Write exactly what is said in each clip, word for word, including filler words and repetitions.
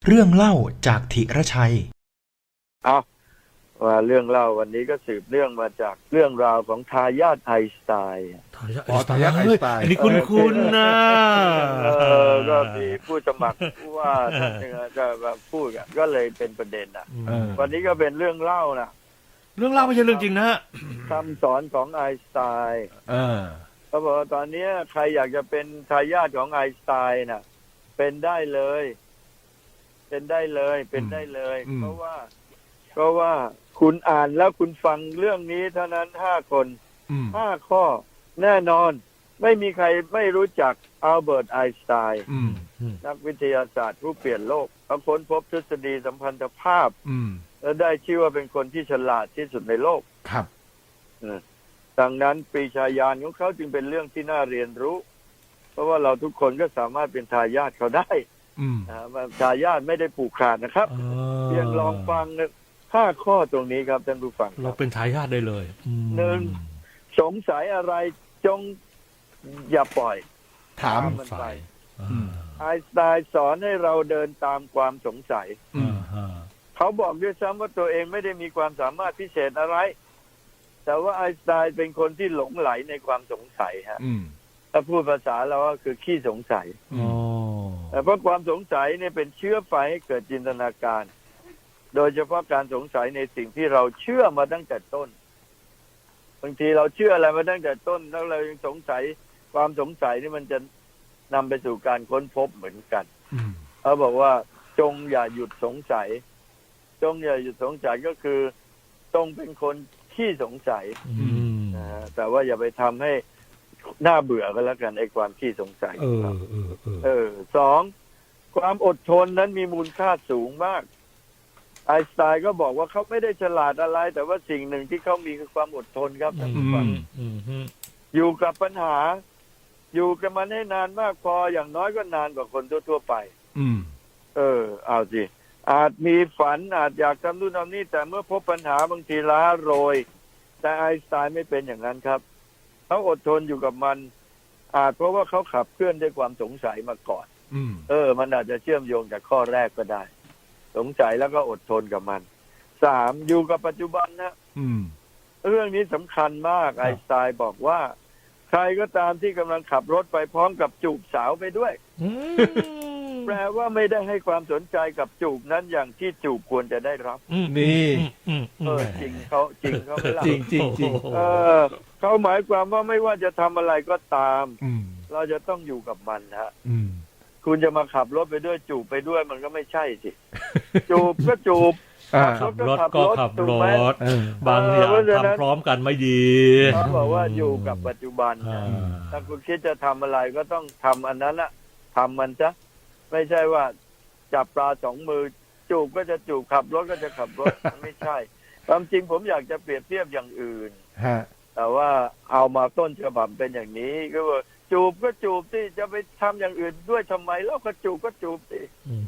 เรื่องเล่าจากธีรชัยเอาว่าเรื่องเล่าวันนี้ก็สืบเรื่องมาจากเรื่องราวของทายาทไอน์สไตน์ทายาทไอน์สไตล์อันนี้คุ้นคุ้นนะเออก็มีผู้สมัครว่าท่านจะแบบพูดก็เลยเป็นประเด็นอ่ะวันนี้ก็เป็นเรื่องเล่านะเรื่องเล่าไม่ใช่เรื่องจริงนะคำสอนของไอน์สไตน์เขาบอกว่าตอนนี้ใครอยากจะเป็นทายาทของไอน์สไตน์น่ะเป็นได้เลยเป็นได้เลยเป็นได้เลยเพราะว่าเพราะว่าคุณอ่านแล้วคุณฟังเรื่องนี้เท่านั้นห้าคนห้าข้อแน่นอนไม่มีใครไม่รู้จักอัลเบิร์ตไอน์สไตน์นักวิทยาศาสตร์ผู้เปลี่ยนโลกเขาค้นพบทฤษฎีสัมพันธภาพและได้ชื่อว่าเป็นคนที่ฉลาดที่สุดในโลกครับดังนั้นปรีชาญาณของเขาจึงเป็นเรื่องที่น่าเรียนรู้เพราะว่าเราทุกคนก็สามารถเป็นทายาทเขาได้ทายาทไม่ได้ผูกขาดนะครับเพียงลองฟังห้าข้อตรงนี้ครับท่านผู้ฟังเราเป็นทายาทได้เลยหนึ่งสงสัยอะไรจงอย่าปล่อยถามมันไปไอน์สไตน์สอนให้เราเดินตามความสงสัยเขาบอกด้วยซ้ำว่าตัวเองไม่ได้มีความสามารถพิเศษอะไรแต่ว่าไอน์สไตน์เป็นคนที่หลงไหลในความสงสัยฮะถ้าพูดภาษาเราก็คือขี้สงสัยแต่เพราะความสงสัยเนี่ยเป็นเชื้อไฟให้เกิดจินตนาการโดยเฉพาะการสงสัยในสิ่งที่เราเชื่อมาตั้งแต่ต้นบางทีเราเชื่ออะไรมาตั้งแต่ต้นแล้วเรายังสงสัยความสงสัยนี่มันจะนำไปสู่การค้นพบเหมือนกันเขาบอกว่าจงอย่าหยุดสงสัยจงอย่าหยุดสงสัยก็คือจงเป็นคนขี้สงสัยนะแต่ว่าอย่าไปทำให้น่าเบื่อก็แล้วกันไอ้ความขี้สงสัยเออเออเออสองความอดทนนั้นมีมูลค่าสูงมากไอน์สไตน์ก็บอกว่าเขาไม่ได้ฉลาดอะไรแต่ว่าสิ่งหนึ่งที่เขามีคือความอดทนครับท่านผู้ฟังอยู่กับปัญหาอยู่กับมันให้นานมากพออย่างน้อยก็นานกว่าคนทั่วๆไปเออเอาสิอาจมีฝันอาจอยากทำนู่นทำนี่แต่เมื่อพบปัญหาบางทีล้าโรยแต่ไอน์สไตน์ไม่เป็นอย่างนั้นครับเขาอดทนอยู่กับมันอาจเพราะว่าเขาขับเคลื่อนด้วยความสงสัยมาก่อนเออมันอาจจะเชื่อมโยงจากข้อแรกก็ได้สงสัยแล้วก็อดทนกับมันสามอยู่กับปัจจุบันนะเรื่องนี้สำคัญมากไอน์สไตน์บอกว่าใครก็ตามที่กำลังขับรถไปพร้อมกับจูบสาวไปด้วยแปลว่าไม่ได้ให้ความสนใจกับจูบนั้นอย่างที่จูบควรจะได้รับนี่เออจริงเขาจริงเขาไม่รับจริงจริงจริงเออเขาหมายความว่าไม่ว่าจะทำอะไรก็ตามเราจะต้องอยู่กับมันฮะคุณจะมาขับรถไปด้วยจูบไปด้วยมันก็ไม่ใช่สิจูบก็จูบขับรถก็ขับรถบางอย่างทำพร้อมกันไม่ดีเขาบอกว่าอยู่กับปัจจุบันถ้าคุณคิดจะทำอะไรก็ต้องทำอันนั้นอะทำมันซะไม่ใช่ว่าจับปลาสองมือจูบก็จะจูบขับรถก็จะขับรถไม่ใช่ความจริงผมอยากจะเปรียบเทียบอย่างอื่นแต่ว่าเอามาต้นฉบับเป็นอย่างนี้ก็ว่าจูบก็จูบสิจะไปทำอย่างอื่นด้วยทำไมแล้วก็จูบก็จูบสิ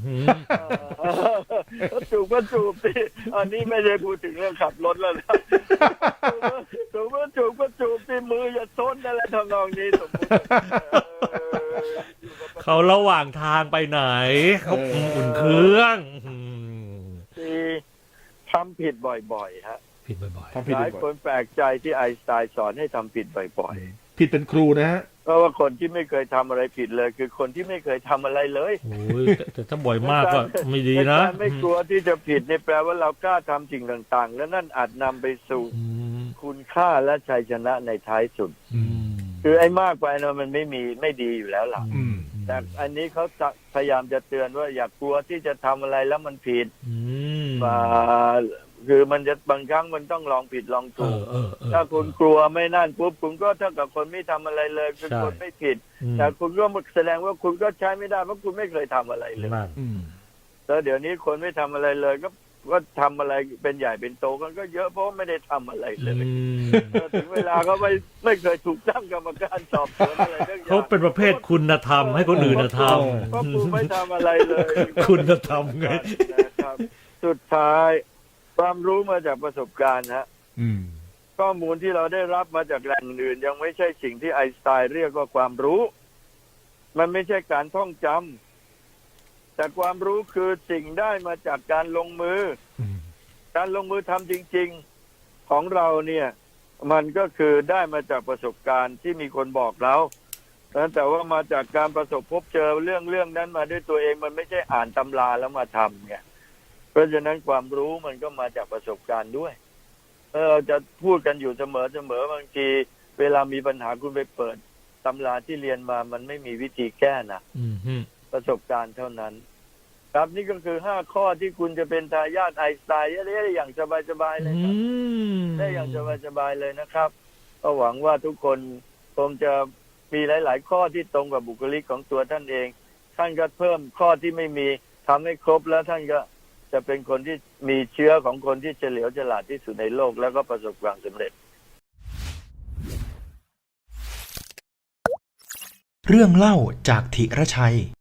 จูบก็จูบสิอันนี้ไม่ได้พูดถึงเรื่องขับรถแล้วนะจูบก็จูบก็จูบสิมืออย่าซ้นอะไรทำนองนี้สมมติเขาระหว่างทางไปไหนเขาอุ่นเครื่องที่ทำผิดบ่อยๆฮะผิดบ่อยๆหลายคนแปลกใจที่ไอน์สไตน์สอนให้ทำผิดบ่อยๆผิดเป็นครูนะฮะเพราะว่าคนที่ไม่เคยทำอะไรผิดเลยคือคนที่ไม่เคยทำอะไรเลยโอ้ยแต่ถ้าบ่อยมากก็ไม่ดีนะไม่กลัวที่จะผิดนี่แปลว่าเรากล้าทำสิ่งต่างๆและนั่นอาจนำไปสู่คุณค่าและชัยชนะในท้ายสุดคือไอ้มากไปเนาะมันไม่มีไม่ดีอยู่แล้วล่ะแต่อันนี้เขาพยายามจะเตือนว่าอย่ากลัวที่จะทำอะไรแล้วมันผิดคือมันจะบางครั้งมันต้องลองผิดลองถูกถ้าคุณกลัวไม่นั่นปุ๊บคุณก็เท่ากับคนไม่ทำอะไรเลยคือคนไม่ผิดแต่คุณก็แสดงว่าคุณก็ใช้ไม่ได้เพราะคุณไม่เคยทำอะไรเลยแล้วเดี๋ยวนี้คนไม่ทำอะไรเลยก็ก็ทำอะไรเป็นใหญ่เป็นโตกันก็เยอะเพราะไม่ได้ทำอะไรเลยถึงเวลาเขาไม่ไม่เคยถูกตั้งกรรมการสอบสวนอะไรเรื่องเขาเป็นประเภทคุณธรรมให้คนอื่นทำเพราะคุณไม่ทำอะไรเลยคุณธรรมไงสุดท้ายความรู้มาจากประสบการณ์ฮะข้อมูลที่เราได้รับมาจากแหล่งอื่นยังไม่ใช่สิ่งที่ไอน์สไตน์เรียกว่าความรู้มันไม่ใช่การท่องจำแต่ความรู้คือสิ่งได้มาจากการลงมืออืมการลงมือทำจริงๆของเราเนี่ยมันก็คือได้มาจากประสบการณ์ที่มีคนบอกเราแต่ว่ามาจากการประสบพบเจอเรื่องเรื่องนั้นมาด้วยตัวเองมันไม่ใช่อ่านตำราแล้วมาทำเนี่ยเพราะฉะนั้นความรู้มันก็มาจากประสบการณ์ด้วยเราจะพูดกันอยู่เสมอเสมอบางทีเวลามีปัญหาคุณไปเปิดตำราที่เรียนมามันไม่มีวิธีแก้นะอืมฮึประสบการณ์เท่านั้นครับนี่ก็คือห้าข้อที่คุณจะเป็นทายาทไอน์สไตน์ได้อย่างสบายๆเลยครับอืมได้อย่างสบายๆเลยนะครับก็หวังว่าทุกคนคงจะมีหลาย ๆ ข้อที่ตรงกับบุคลิกของตัวท่านเองท่านก็เพิ่มข้อที่ไม่มีทำให้ครบแล้วท่านก็จะเป็นคนที่มีเชื้อของคนที่เฉลียวฉลาดที่สุดในโลกแล้วก็ประสบความสำเร็จเรื่องเล่าจากธิรชัย